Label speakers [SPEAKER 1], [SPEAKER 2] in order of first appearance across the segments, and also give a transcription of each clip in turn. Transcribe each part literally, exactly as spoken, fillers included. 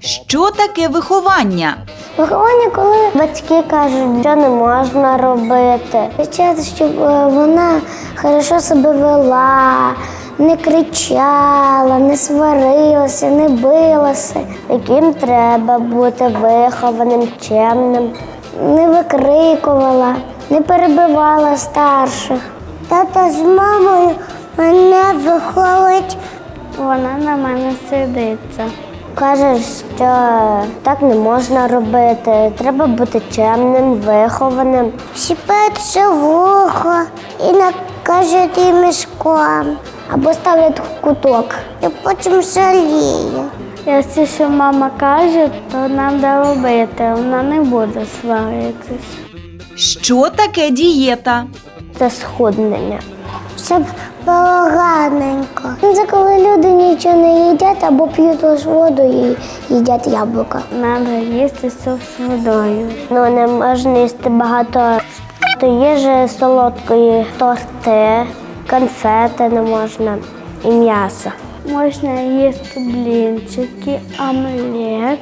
[SPEAKER 1] Що таке виховання?
[SPEAKER 2] Виховання, коли батьки кажуть, що не можна робити. Хочуть, щоб вона хорошо себе вела, не кричала, не сварилася, не билася. Яким треба бути вихованим, чемним, не викрикувала, не перебивала старших. Тато з мамою мене виховують. Вона на мене сидиться. Каже, що так не можна робити, треба бути чемним, вихованим. Щіпається вухо і накажуть їй мішком. Або ставлять в куток і потім жаліє. Якщо що мама каже, то нам треба робити, вона не буде сваритись.
[SPEAKER 1] Що таке дієта?
[SPEAKER 2] Це схуднення. Щоб було гарненько. Це коли люди нічого не їдять або п'ють лише воду і їдять яблука. Треба їсти все з водою. Ну, не можна їсти багато їжі солодкої, торти, конфети не можна і м'ясо. Можна їсти блінчики, омлет,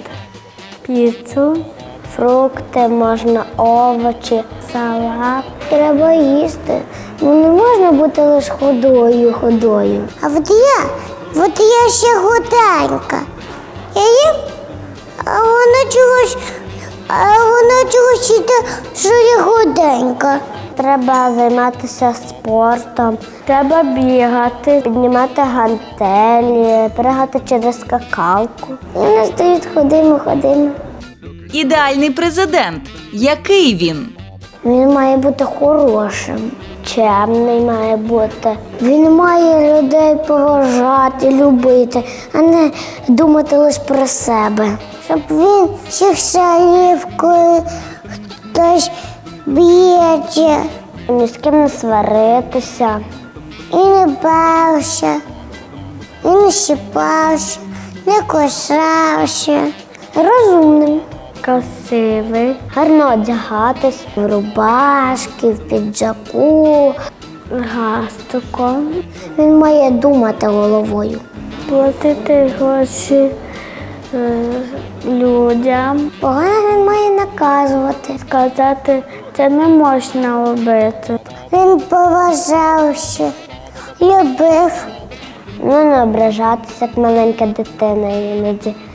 [SPEAKER 2] піцу, фрукти, можна овочі, салат. Треба їсти. Ну, не можна бути лише худою, худою. А от я, от я ще худенька. Я їм, а вона чогось, а вона чогось йде, що я худенька. Треба займатися спортом, треба бігати, піднімати гантелі, пригати через скакалку. І вони стоять, ходимо, ходимо.
[SPEAKER 1] Ідеальний президент. Який він?
[SPEAKER 2] Він має бути хорошим, чемний має бути. Він має людей поважати, любити, а не думати лише про себе. Щоб він всіх жалів, коли хтось б'ється. Ні з ким не сваритися. І не бався, і не щипався, не кусався. Розумним. Красивий, гарно одягатись в рубашки, в піджаку, галстуком. Він має думати головою. Платити гроші е, людям. Погано він має наказувати. Сказати, це не можна робити. Він поважався, любив. Ну, не ображатися, як маленька дитина іноді.